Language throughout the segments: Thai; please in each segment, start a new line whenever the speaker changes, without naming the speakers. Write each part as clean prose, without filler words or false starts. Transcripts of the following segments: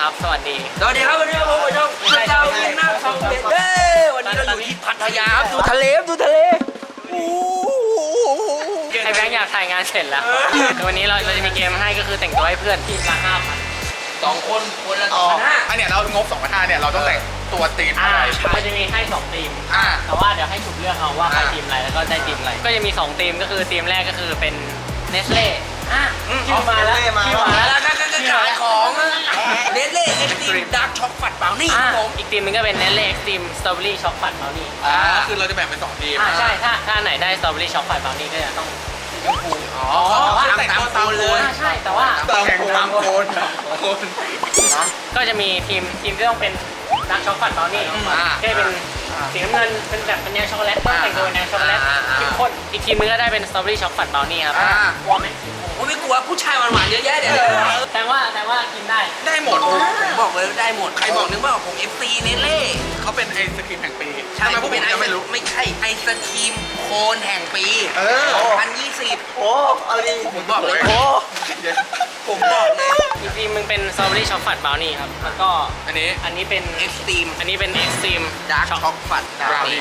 ครับ สวัสดี
สวัสดีครับวันนี้ผมช่องเจ้าเวียนหน้าช่องเด็ดวันนี้เราอยู่ที่พัทยาครับดูทะเล
ไอ้แบงค์อยากถ่ายงานเสร็จแล้ววันนี้เราจะมีเกมให้ก็คือแต่งตัวให้เพื่อนทีมละ5,000
2 คนละ2,500
อันเนี้ยเรางบ2,500เนี่ยเราต้องแต่งตัวตีมอะไร
มันจะมีให้2ทีม
อ่า
แต่ว่าเดี๋ยวให้ฉุกเลือกเอาว่าใครทีมอะไรแล้วก็ได้ทีมอะไรก็จะมี2ทีมก็คือทีมแรกก็คือเป็นเนสเล่ชื่อมาแล้วชื่อมาแล้ว
แล้วก็ขายของเนสเล่เอ็กซ์ตรีมดาร์กช็อกฟัดเปล่านี่ครับผม
อีกทีมนึงก็เป็นเนสเล่เอ็กซ์ตรีมสตรอเบอรี่ช็อกฟัดเบลนี่
คือเราจะแบ่งเป็น2ทีม
ใช่ถ้าไหนได้สตรอเบอรี่ช็อกฟัดเบลนี่ก็จะต้อง
อ๋อแต่งตัวตามเลย
ใช่แต่ว่า
ตามโคน
ก็จะมีทีมที่ต้องเป็นดาร์กช็อกฟัดเบลนี่ที่เป็นสีน้ำเงินเป็นแบบเป็นแนวช็อกโกแลตต้องแต่งตัวแนวช็อกโกแลตเข้มข้นอีกทีมนึงก็ได้เป็นสตรอเบอรี่ช็อกฟัดเบลนี่ครับกลัวไหม
ผมไม่กลัวผู้ชายหวานๆเยอะแยะเดี๋ยว
แต่ว่ากินได้
ได้หมด
ผมบอกเลยได้หมดใครบอกนึกว่าผม FC เนสเล่
เขาเป็นไอศครีมแห่งปี
ใช่
ทำไมพวก
เป็
ผม
น
จะไม่รู้
ไม่ใช่ไอศครีมโคนแห่งปี2020
โอ้เอาดิ
ผมบอกเลย
โอ้
ผมบอกเลย
อีกทีมมึงเป็นสตรอเบอรี่ช็อกฟัดเบลนี่ครับแล้วก็
อันนี้
เป็น
เอ็กซ์ตรีม
อันนี้เป็นเอ็กซ์ตรีม
ดาร์กช็อกฟัด
Brownie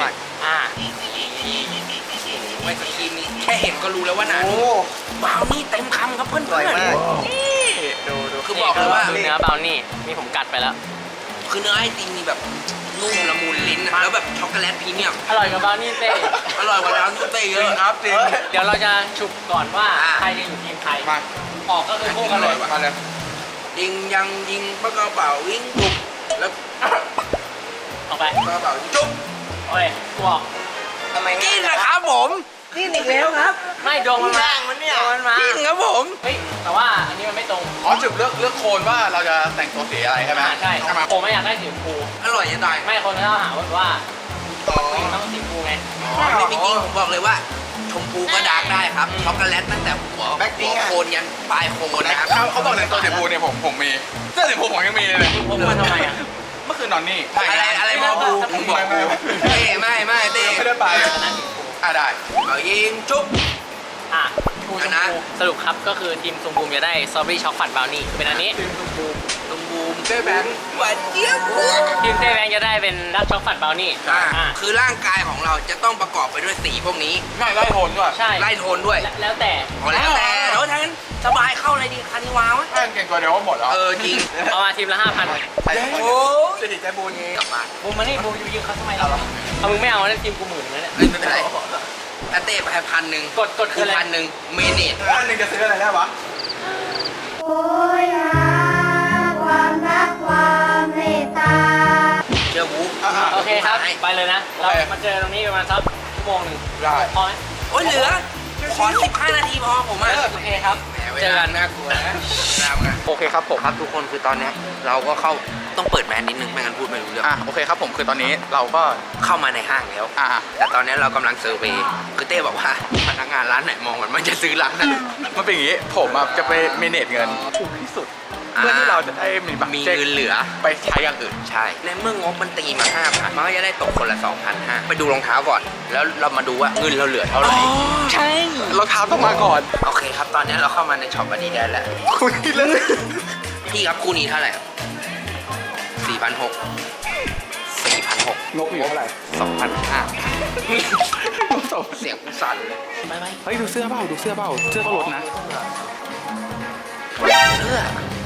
ไอศครีมนี้แค่เห็นก็รู้แล้วว่าหนา
โอ้
บราวนี่เต็มคำครับเพื่อน
สวยมาก
ดู
คือบอกเลยว่า
เนื้อเบลนี่นี่ผมกัดไปแล้ว
คือเนื้อไอติมนี่แบบนุ่มละมุนลิ้นอะแล้วแบบช็อกโกแลตพรีเมียม
อร่อยกว่าเบลนี่เต้
อร่อยกว่าร้านเต้เย
จริง
อะ
ครับจริง
เดี๋ยวเราจะฉุกก่อนว่าใครจะอยู่ทีมใคร
มา
ออกก็คือคู่กันเลย
มาเลย
ยิงยังยิงปะกระเป๋าวิ่งจุบแล้ว
ออกไป
กระเป๋าจุบ
โอเคกูออก
ทำไม
กินนะครับผม
นี่อีกแล้วครับ
ไม่ดวงมันมา
แรงมันเนี่ย
ดวงมันมา
กินครับผม
เฮ้ยแต่ว่าอันนี้มันไม่ตรง
อ๋อจุดเลือกโคนว่าเราจะแต่งตัวสีอะไรใช่ไหม
ใช่
ไหม
ผมไม่อยากได้สีชมพู
อร่อยจะตาย
ไม่คนเขาหาว่า
ต่อ
ผู้หญิงต้องสีชมพูไง
ไม่จริงผมบอกเลยว่าชมพูก็ดาร์กได้ครับช็อกโกแลตตั้งแต่หัวโคนยันปลายโคนนะครับ
เขาบอกในตัวสีชมพูเนี่ยผมมีเสื้อสีชมพูผมยังมีเลย
ผมมาทำไมอ่ะ
เมื่อคืนนอนนี่
อะไรมอบูมึงบอกกูเต้ไม่เต้
ไม่ได้ไป
ชนะสีชมพู
ได้
เอายิงจุ๊บ
อ่ะชูชม
นะ
พูสรุปครับก็คือทีมชมพูจะได้สตรอเบอรี่ช็อกฟัดเบลนี่เป็นอันนี้
ลุงบูมเต้แบงค์หวานเจี๊ยบ
ทีมเต้แบงค์จะได้เป็นดักช็อกฟัดเบลนี่
คือร่างกายของเราจะต้องประกอบไปด้วยสีพวกนี้
ไม่ไล่โทนด้วย
ใช่
ไล่โทนด้วย
แล้วแต่
แล้วแต่แล้วทั้งนั้นสบายเข้าเลยดีคานิวาวะ
แม่งเก่งตัวเดียวก็หมดแล้ว
จริง
เอามาทีมละ5,000
ใช่
โอ้
สิริใจบุญ
กลับบ้าน
บูมมานี่บูมยืมเขาทำไมเราเอามึงไม่เอาแล้วทีมกูหมื่นเลยเนี่ย
ไม่เป็นไรอาเต้ไป1,000
กดคืออะไร
1,000เมเนต
อันหนึ่งจะซื้ออะไรได้วะ
โอยหาความรักความเมตตา
เจอวูฟ
โอเคครับไปเลยนะเรามาเจอตรงนี้ประมาณสักชั่วโมงหนึ่ง
ได้
พอไหม
โอ้ยเหลือขอ15 นาทีพอผมอ่ะ
โอเคครับ
เจอกันน่ากลัวนะตามกัน
โอเคครับผม
ครับทุกคนคือตอนนี้เราก็เข้าต้องเปิดแมสนิดนึงไม่งั้นพูดไม่รู้เรื่อง
โอเคครับผมคือตอนนี้เราก็
เข้ามาในห้างแล้ว แต่ตอนนี้เรากำลังเซอร์เวย์คือเต้บอกว่าพนักงานร้านไหนมองมันจะซื้อร้านนั้น
มันเป็นอย่างนี้ผมจะไปเมเนจเงินถูกที่สุด เพื่อที่เราจะได้มีบัตร
มี
เช็ค
เงินเหลือ
ไปใช้อย่างอื่น
ใช่ ในเมื่องบมันตีมา 5,000 มันก็จะได้ตกคนละ 2,500 ไปดูรองเท้าก่อน แล้วเรามาดูว่าเงินเราเหลือเท่าไหร่
ใช่รองเท้าต้องมาก่อน
โอเคครับ ตอนนี้เราเข้ามาในช็อปอันนี้ได้แล้ว
คุยเรื่อง
พี่ครับคู่นี้เท่าไหร่4,600 4,600
งบอยู่เท่าไหร่
2,500 เสียงกูสั่นเลยไป
เฮ้ยดูเสื้อเปล่าดูเสื้อเปล่าเสื้อก็ลดนะ
เสื้อ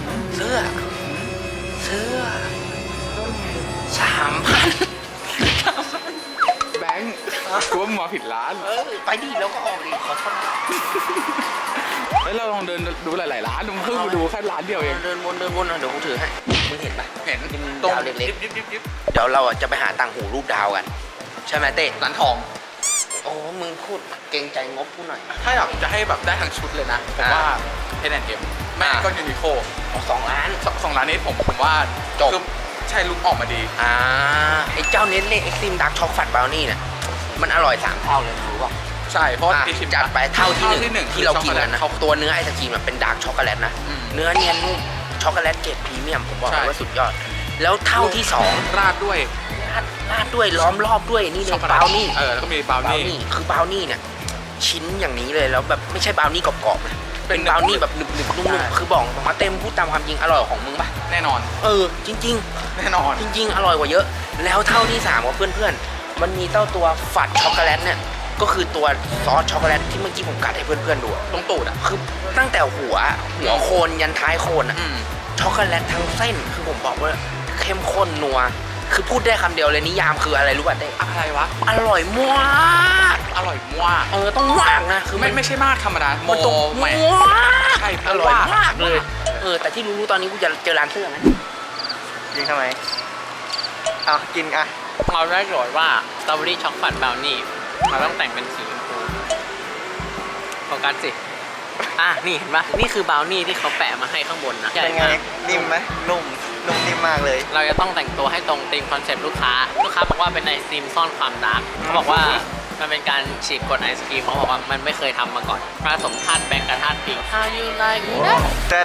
3,000
แบงค์กูว่ามึงมาผิดร้าน
ไปดิแล้วก็ออกดิขอโทษนะ
เฮ้ยเราลองเดินดูหลายๆร้านมึงเพิ่งมาดูแค่ร้านเดียวเอง
เดินวนเดี๋ยวกูถือให้ มึงเห็นปะ
เห็น
ดาวเล็กๆ
ดิบ
เดี๋ยวเราจะไปหาต่างหูรูปดาวกัน ใช่ไหมเต้
ร้านทอง
โอ้ มึงพูดเกรงใจงบกูหน่อย
ถ้าอยากจะให้แบบได้ทั้งชุดเลยนะผมว่า H&M แม่ก็ยูนิโค
2 ล้าน
สองร้านนี้ผมว่า
จบ
คือใช่ลุกออกมาดี
ไอ้เจ้าเน็ตเล่เอ็กซ์ตรีมดาร์กช็อกฟัดบราวนี่เนี่ยมันอร่อย 3 เท่าเลยรู้ป่ะ
ใช่เพราะ
อ่ะ
ที่ชิม
จัดไปเท่าที่หนึ่ง
คือ
ที่เรากินกันนะ
ช็อกโกแลต
ตัวเนื้อไอศกรีมเป็นดาร์กช็อกโกแลตนะ
อืม
เนื้อเนียนนุ่มช็อกโกแลตเกรดพรีเมียมผมบอก
ใช่
เลยว่าสุดยอด แล้วเท่าที่ 2
ราดด้วย
ราดด้วยล้อมรอบด้วยนี่เล
ช็อก
ย
โกแล
บ
ต
ราวนี่
แล้วก็มีบราว
บราว
นี่
นี่คือบราวนี่เนี่ยชิ้นอย่างนี้เลยแล้วแบบไม่ใช่บราวนี่กรอบๆนะเป็นบราวนี่แบบหนึบๆนุ่มๆคือบอกมาเต็มพูดตามความจริงอร่อยกว่าของมึงปะ
แน่นอน
จริง
แน่นอน
ๆ จริง ๆ อร่อยกว่าเยอะ แล้วเท่าที่3กับเพื่อนๆมันมีเต้าตัวฝัดช็อกโกแลตเนี่ยก็คือตัวซอสช็อกโกแลตที่เมื่อกี้ผมกัดให้เพื่อนๆดูอะ
ตรงตูดอ่ะ
คือตั้งแต่หัวโคนยันท้ายโคนอะ
อืม
ช็อกโกแลตทั้งเส้นคือผมบอกว่าเข้มข้นนัวคือพูดได้คำเดียวเลยนิยามคืออะไรรู้ป่ะเต้
อะไรวะ
อร่อยมาก
อร่อยมาก
ต้องมากนะคือ
ไม่ใช่มากธรรมดาโม
มันต้อง
แหม่
มาก
ใช่
อร่อย
มาม
ากเลยแต่ที่รู้ๆตอนนี้กูจะเจอร้านเสื้อไหม
ยิงทำไมเอากินอ่ะ
เราได้โจทย์ว่าสตรอเบอรี่ช็อกโกแลตบราวนี่เราต้องแต่งเป็นสีชมพูโฟกัสสินี่เห็นปะนี่คือบราวนี่ที่เขาแปะมาให้ข้างบนนะใหญ่
เป็นไง
มาก
นิ่มไหมนุ่มนิ่มมากเลย
เราจะต้องแต่งตัวให้ตรงธีมคอนเซ็ปต์ลูกค้าบอกว่าเป็นไอศครีมซ่อนความดาร์กเขาบอกว่ามันเป็นการฉีกกฎไอศครีมเขาบอกว่ามันไม่เคยทำมาก่อนผสมธาตุแบงก์กับธาตุพิง How you like that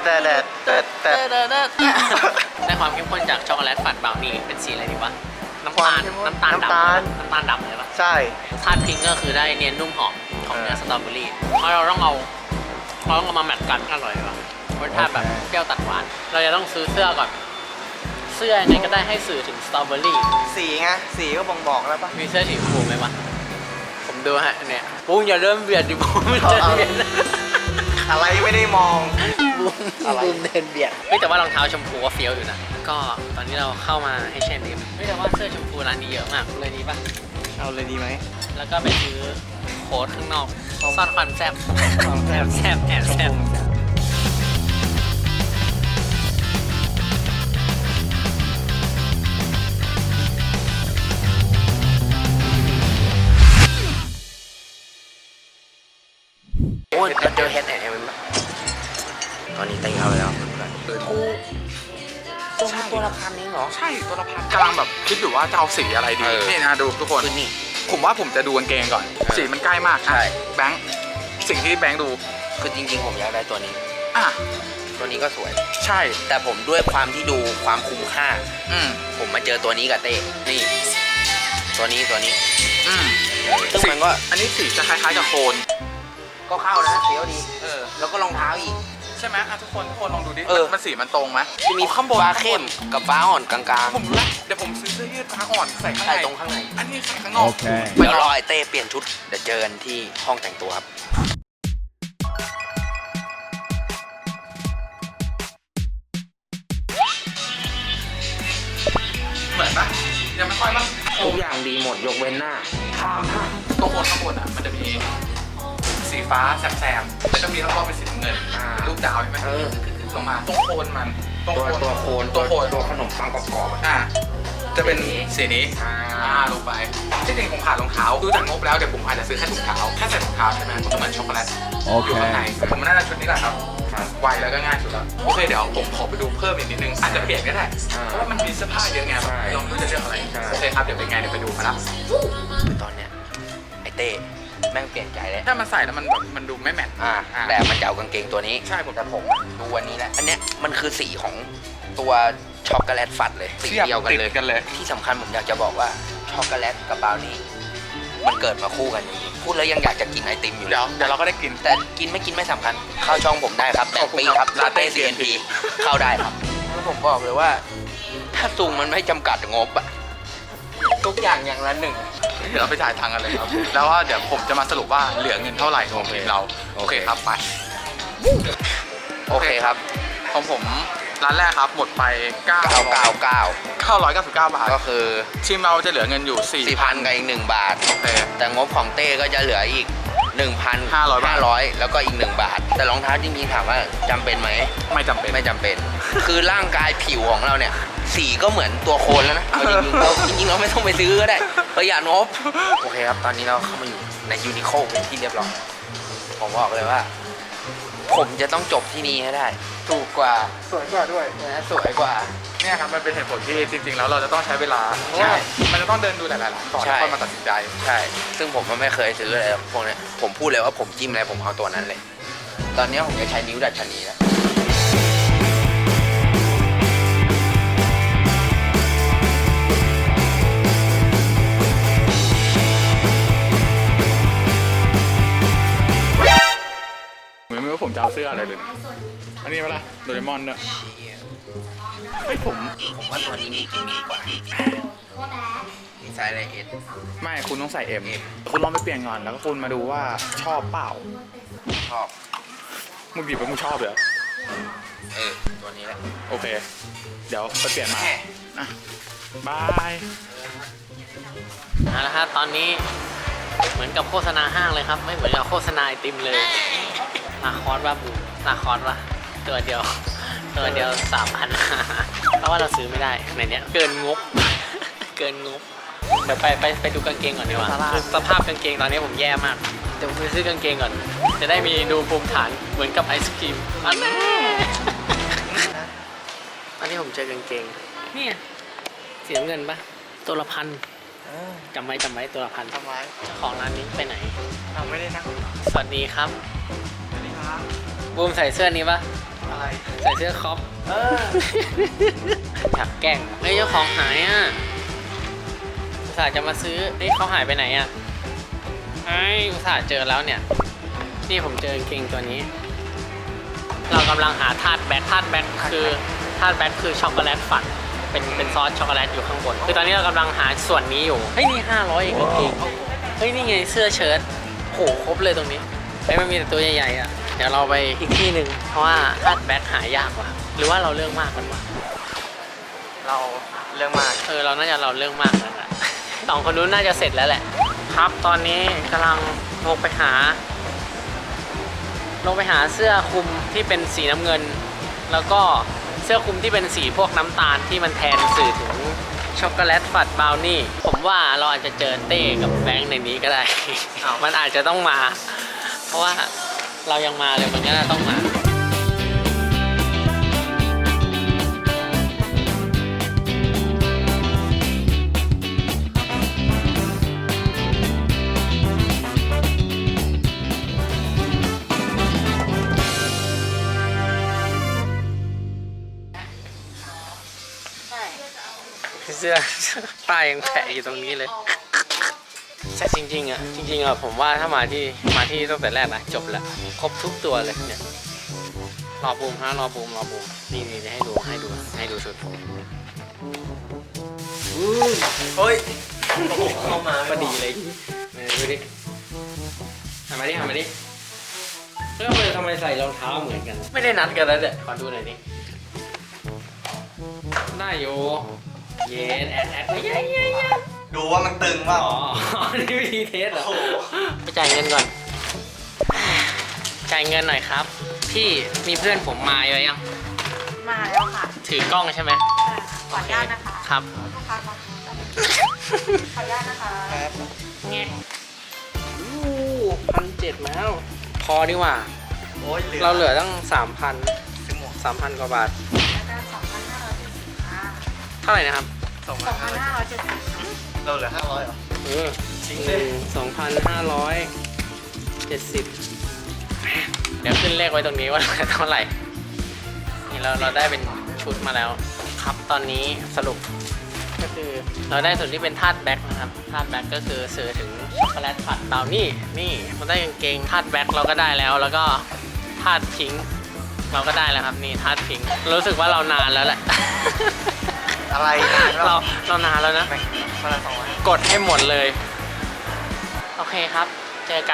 แต่
ได้ความเข้มข้นจากช็อกโกแลตฝัดบราวนี่เป็นสีอะไรดีวะน้ำ
ควา
ตาม ล
เข้มข้น
น้ำตาล
น้ำตาล
ดำน้ำตาลดำเลยปะ
ใช่
ธาตุพิงก็คือได้เนียนนุ่มหอมของเนื้อสตรอเบอรี่เพราะเราต้องเอามาแมทกันอร่อยปะรสชาติแบบเปรี้ยวตัดหวานเราจะต้องซื้อเสื้อก่อนเสื้อยังไงก็ได้ให้สื่อถึงสตรอเบอรี่
สีไงสีก็บ่งบอกแล้วปะ
มีเสื้อสีชมพูไหมวะผมดูฮะเนี่ยปุ้งอย่าเริ่มเบียดดิปุ้งมันจะเบียด
อะไรไม่ได้มอง
ปุ้งเดินเบียดแต่ว่ารองเท้าชมพูก็เฟี้ยวอยู่นะก็ตอนนี้เราเข้ามาให้เชนดิมแต่ว่าเสื้อชมพูร้านนี้เยอะมากเลยดีปะ
เอาเลยดีไหม
แล้วก็ไปซื้อโค้ดข้างนอกซ่อนความแซ่บแอบแซ่บแอบแซ่บ
โอ้ยเราเจอ H&M ปะตอนนี้เต้เข้าไปแล้วตัวละพันเองเหรอ
ใช่ตัวละพันกำลังแบบคิดอยู่ว่าจะเอาสีอะไรดี นี่นะดูทุกคน
คือนี่
ผมว่าผมจะดูกางเกงก่อน สีมันใกล้มาก
ใช่
แบงค์สิ่งที่แบงค์ดู
คือจริงๆผมอยากได้ตัวนี้
อ่ะ
ตัวนี้ก็สวย
ใช่
แต่ผมด้วยความที่ดูความคุ้มค่า
อืม
ผมมาเจอตัวนี้กับเต้นี่ ตัวนี้
อืม
ซึ่งมันก็
อันนี้สีจะคล้ายๆกับโคน
ก็เข้านะเสียวดี
เ
แล้วก็รองเท้าอีก
ใช่ไหมทุกคนลองดูดิ
เออ
มันสีมันตรงไหม
จะมี
ข้างบน
ฟ้าเข้มกับฟ้าอ่อนกลาง
ผมรู้ละเดี๋ยวผมซื้อเสื้อยืดฟ้าอ่อนใส่
ๆ
ข้าง
ใช่
ใน
ตรงข้างใน
อันนี้ใส่ข้างนอก
เดี๋ยวรอไอ้เต้เปลี่ยนชุดเดี๋ยวเจอกันที่ห้องแต่งตัวครับ
เหมือนปะยังไม่ค่อยปะ
ทุกอย่างดีหมดยกเว้นหน้า
ตรงข้างบนอ่ะมันจะมีสีฟ้าแซมๆแล้วก็มีรอบๆเป็นสีน้ำเงิน
อ่า
เป็นรูปดาวใช่ไหม
เออ
ลงมาตรงโคนมันตรง
ตัวโคน
ตัวโคน
ตัวขนมปังกรอบๆอะ
อ่าจะเป็นสีนี้
อ่า
ลงไปที่จริงผมขาดรองเท้าดูจากงบแล้วเดี๋ยวผมอาจจะซื้อแค่ถุงเท้าแค่ใส่ถุงเท้าใช่ไหมมันก็เหมือนช็อกโกแลตอยู่ข้างในผมน่าจะชุดนี้แหละครับไวแล้วก็ง่ายสุดแล้วโอเคเดี๋ยวผมขอไปดูเพิ่มอีกนิดนึงอาจจะเปลี่ยนก็ได้เพราะว่ามันมีเสื้อผ้าเยอะไงลองดูจะเลือกอะไรโอเคครับเดี๋ยวเป็นไงเดี๋ยวไปดูมาละ
คือตอนเนี้ยไอ้เต้แม่งเปลี่ยนใจแล้ว
ถ้ามันใส่แล้วมันแบบมันดูไม่แมท
แต่มันจะเอากางเกงตัวนี้
ใช่ผม
แต่ผมดูวันนี้แหละอันเนี้ยมันคือสีของตัวช็อกโกแลตฟัดเลยสีเดียวกันเลย
ติดกันเลย
ที่สำคัญผมอยากจะบอกว่าช็อกโกแลตกับบราวนี่มันเกิดมาคู่กันจริงๆพูดแล้วยังอยากจะกินไอติมอยู่
เดี๋ยวเราก็ได้กิน
แต่กินไม่กินไม่สำคัญ เข้าช่องผมได้ครับแต่ปีครับ
ลา
ลา
เต้
เต้ CNP เข้าได้ครับแล้วผมบอกเลยว่า ถ้าซุงมันไม่จำกัดงบอะทุกอย่างอย่างละหนึ่ง
เดี๋ยวเราไปจ่ายตังค์กันเลยครับ แล้วว่าเดี๋ยวผมจะมาสรุปว่าเหลือเงินเท่าไหร่ของทีมเรา โอเคครับไป
โอเคครับ
ของผมร้านแรกครับหมดไป
999
999 บาท
ก็คือ
ทีมเราจะเหลือเงินอยู่
4,000กับอีก1 บาท
โอเค
แต่งบของเต้ก็จะเหลืออีก
500
1,500 แล้วก็อีก1 บาท แต่รองเท้าจริงๆถามว่าจำเป็นไหม
ไม่จำเป็น
ไม่จำเป็น คือร่างกายผิวของเราเนี่ย สีก็เหมือนตัวโคลนแล้วนะเอาจริงๆเราไม่ต้องไปซื้อก็ได้ประหยัดงบ โอเคครับ ตอนนี้เราเข้ามาอยู่ในยูนิโคเป็นที่เรียบร้อยผมบอกเลยว่า ผมจะต้องจบที่นี่ให้ได้ ถูกกว่า
สวยกว่าด้วย
นะสวยกว่า
เนี่ยครับมันเป็นเหตุผลที่จริงๆแล้วเราจะต้องใช้เวลาเพราะว่ามันจะต้องเดินดูหลายๆร้านก่อน
ใช่
แล้วค่อยมาตัดสินใจ
ใช่ ซึ่งผมก็ไม่เคยซื้ออะไรพวกเนี้ยผมพูดเลยว่าผมจิ้มอะไรผมเอาตัวนั้นเลย ตอนนี้ผมจะใช้นิ้วดัชนีแล้ว
ไม่รู้ว่าผมจะเอาสีสื้ออะไรเลยนะอันนี้เปล่าโดเรมอนเนี่ย
เชี่ย
เฮ้ยผม
ว่าตัวนี้มีกิมมิคกว่ามีไซส์อะไรเอส
ไม่คุณต้องใส่เอ็มคุณลองไปเปลี่ยนก่อนแล้วก็คุณมาดูว่าชอบเปล่า
ชอบ
มึงบีบไปมึงชอบเหรอ
ตัวนี้แหละ
โอเค เดี๋ยวไปเปลี่ยนมา
แม่
อ่ะบาย
เอาละครับตอนนี้เหมือนกับโฆษณาห้างเลยครับ ไม่เหมือนกับโฆษณาไอติมเลยนาคอสว่าบูนาคอสว่าตัวเดียว3,000 เพราะว่าเราซื้อไม่ได้ในเนี้ยเกินงบ เกินงบเดี๋ยวไปดูกางเกงก่อนดีกว่าคือสภาพกางเกงตอนนี้ผมแย่มากเดี๋ยวผมไปซื้อกางเกงก่อน จะได้มีดูภูมิฐานเหมือนกับไอศครีมอันนี้อันนี้ผมเจอกางเกงนี่สีน้ำเงินปะตัวละพันจำไว้ตัวละพัน
ทำไม
เจ้าของร้านนี้ไปไหน
ทำไม่ได้นะ
สวัสดีครับ
สวัสดีครับ
บูมใส่เสื้อนี้ปะ
อะไร
ใส่เสื้อคอป อยากแกล้งเฮ้ยเจ้าของหายอ่ะอุตส่าห์จะมาซื้อเฮ้ยเขาหายไปไหนอ่ะไอ้ยอุตส่าห์เจอแล้วเนี่ย นี่ผมเจอกางเกงตัวนี้ เรากำลังหาธาตุแบ็คคือช็อกโกแลตฝันเป็นซอสช็อกโกแลตอยู่ข้างบนคือตอนนี้เรากำลังหาส่วนนี้อยู่เฮ้ยนี่500เองกางเกงเฮ้ยนี่ไงเสื้อเชิ้ตโหครบเลยตรงนี้เฮ้ยมันมีแต่ตัวใหญ่ๆอ่ะเดี๋ยวเราไปอีกที่หนึ่งเพราะว่าธาตุแบ็คหายากว่ะหรือว่าเราเรื่องมากกันวะ
เราเรื่องมาก
เราน่าจะเราเรื่องมากนั่นแหละสองคนนู้นน่าจะเสร็จแล้วแหละครับตอนนี้กำลังลงไปหาเสื้อคลุมที่เป็นสีน้ำเงิน แล้วก็เสื้อคลุมที่เป็นสีพวกน้ำตาลที่มันแทนสื่อถึงช็อกโกแลตฝัดบราวนี่ผมว่าเราอาจจะเจอเต้กับแบงค์ในนี้ก็ได้ มันอาจจะต้องมา เพราะว่าเรายังมาเลยมันก็น่าต้องมาเสื้อป้ายยังแปะอยู่ตรงนี้เลยแต่จริงๆอ่ะผมว่าถ้ามาที่ตั้งแต่แรกนะจบแล้วครบทุกตัวเลยเนี่ยรอบูมรอบูมนี่ให้ดูชุดผม
เฮ้ย
เข้ามาพอดีเลยดูดิทำไมดิแล้วทำไมใส่รองเท้าเหมือนกัน ไม่ได้นัดกันแล้วเดี๋ยวขอดูหน่อยดิได้อยู่เย็นแอดไม่ยัย
ดูว่ามันตึงเปล่า
อ๋อ นี่วิธีเทสเหรอไปจ่ายเงินก่อน จ่ายเงินหน่อยครับ พี่มีเพื่อนผมมาเยอะยัง
มาแล้วค่ะ
ถือกล้องใช่ไหม
ขออนุญาตนะคะ
ครับ
ลูกค้ามาขออนุญาตนะคะ
เงี้ย1,700แล้ว พอดีกว่า
โอ้ย
เราเหลือตั้ง
ซื้อหมวก
3,000 กว่าบาท
แล้วก็2,570ค่ะ
เท่าไหร่นะครับ
2,570
เราเหลือ500เหรอ
2,570 เดี๋ยวขึ้นเลขไว้ตรงนี้ว่าเท่าไหร่ นี่เราได้เป็นชุดมาแล้ว ครับตอนนี้สรุปก็คือเราได้ส่วนที่เป็นธาตุแบ็คนะครับธาตุแบ็คก็คือสื่อถึงช็อกโกแลตฝัดเบานี่มันได้กางเกงธาตุแบ็คเราก็ได้แล้วแล้วก็ธาตุพิงค์เราก็ได้แล้วครับนี่ธาตุพิงค์รู้สึกว่าเรานานแล้วแหละ
อะไรนะ
เรานานแล้วนะ
คนละ200
กดให้หมดเลย โอเคครับ เจอกัน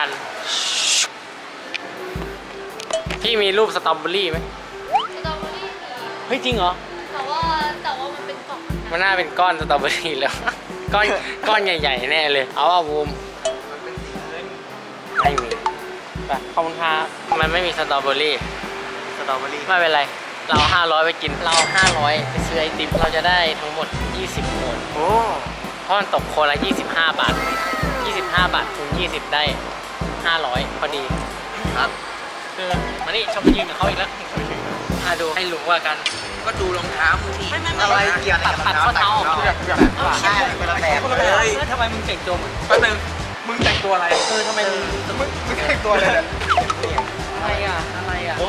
พี่มีรูปสตรอเบอรี่ไหม
สตรอเบอรี่มี
เฮ้ยจริงเหรอ
แต่ว่ามันเป็นกล่อง
มันน่าเป็นก้อนสตรอเบอรี่แล้ว ก้อนใหญ่ๆแน่เลย เอาบูมไม่มีไปขอบคุณครับมันไม่มีสตรอเบอรี่
สตรอเบอรี่
ไม่เป็นไร เรา500ไปกิน เรา500ไปซื้อไอติม เราจะได้ทั้งหมด20 คน
โอ้
เพราะมันตกคนละ25 บาท 25 บาทคูณ20 ได้ 500 พอดี
ครับ
คือมานี่ชอบยืนกับเขาอีกแล้วดูให้รู้ว่ากัน
ก็ดูรองเท้ามึงที
อะไรเกี่ยว
ตัดข้อเท้าออก
ใช่คนละแบบเลย
ทำไมมึงแต่งตัวเหมือน
แป๊บนึงมึงแต่งตัวอะไร
ทำไมมึง
มึงแต่งตัวอะไรเนี่ย
อะไรอ่ะ
โอ้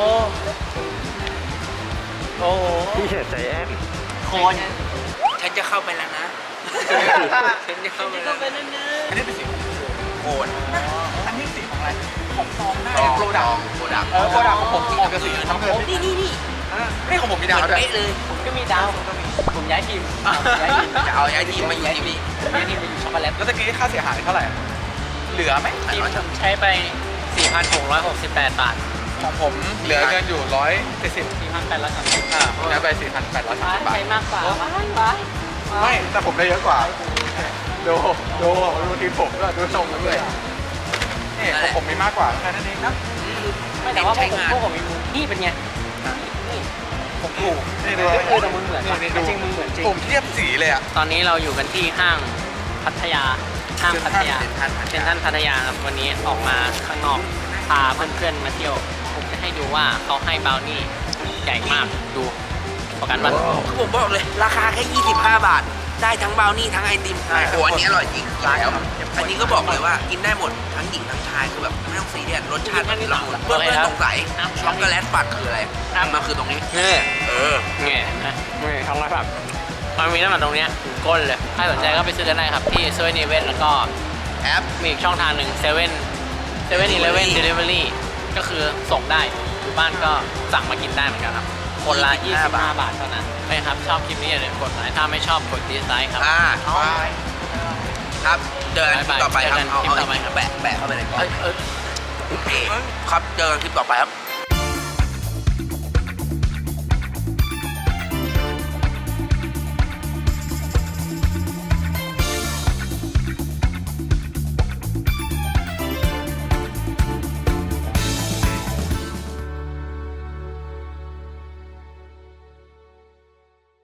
โอ้พี่เห็นใจแอน
โคน
ฉันจะเข้าไปแล้วนะ ฉันจะเข้าไปแล้ว
อันนี้เป็นสีของโคนอันนี้สีของอะไรของซองได้โปรดักต์
โปรดักต์
โปรดักต์ของผมออกจะสีน้ำเงิน
นี่
นี่ของผมมีดาวด้วย
เป๊ะเลย
ผมก็มีดาวผมย้ายทีมย้ายทีม
จะเอาย้ายทีมมาอยู่ทีมนี้
ย้ายทีมไปอยู่ช็อกโกแลต
แล้วตะกี้ค่าเสียหายเท่าไหร่ เหลือไหม
ทีมผมใช้ไป 4,668 บาท
ของผมเหลือเงินอยู่170
4,830
ย้ายไป4,830 บาท
ใช้มากกว่าว้าย
ไม่แต่ผมได้เยอะกว่าดูทีมผมด้วยดูทรงกันด้วยนี่ของผมมีมากกว่าแค่นั้นเองนะ
ไม่แต่ว่าพวกผมมีมือนี่เป็นไงนี่ผมถูก
นี่
แต่มึงเหมือน
นี่
จริงมึงเหมือนจริง
ผมเทียบสีเลยอ่ะ
ตอนนี้เราอยู่กันที่ห้างพัทยาพัทยา
เซ็นทรัล
เซ็นทรัลพัทยาครับวันนี้ออกมาข้างนอกพาเพื่อนๆมาเที่ยวผมจะให้ดูว่าเขาให้บราวนี่ใหญ่มากดูประกันว่า
คือผมบอกเลยราคาแค่25 บาท ได้ทั้งบราวนี่ทั้งไอติมโอ้อันนี้อร่อยจริงแล้วอันนี้ก็บอกเลยว่ากินได้หมดทั้งหญิงทั้งชายคือแบบไม่ต้องซีเรียสรสชาติมันละมุนเพื่อนๆสงสัยช็อกโกแลตปัดคืออะไรมันคือตรงนี้
แง่นะนี่ท้องไรแบบมันมีน้ำมันตรงเนี้ยถึงก้นเลยถ้าสนใจก็ไปซื้อกันได้ครับที่เซเว่นอีเวนแล้วก็
แอป
มีอีกช่องทางหนึ่งเซเว่นอีเลฟเว่นเดลิเวอรี่ก็คือส่งได้อยู่บ้านก็สั่งมากินได้เหมือนกันครับคนละ25 บาทเท่านั้นไม่ครับชอบคลิปนี้อย่าลืมกดไลค์ถ้าไม่ชอบกดดีไซน์ครับ
ครับเจอกันคลิปต่อไปครับ
เจอกันคลิปต่อไปครับ
แปะเข้าไปเลยครับเจอกันคลิปต่อไปครับ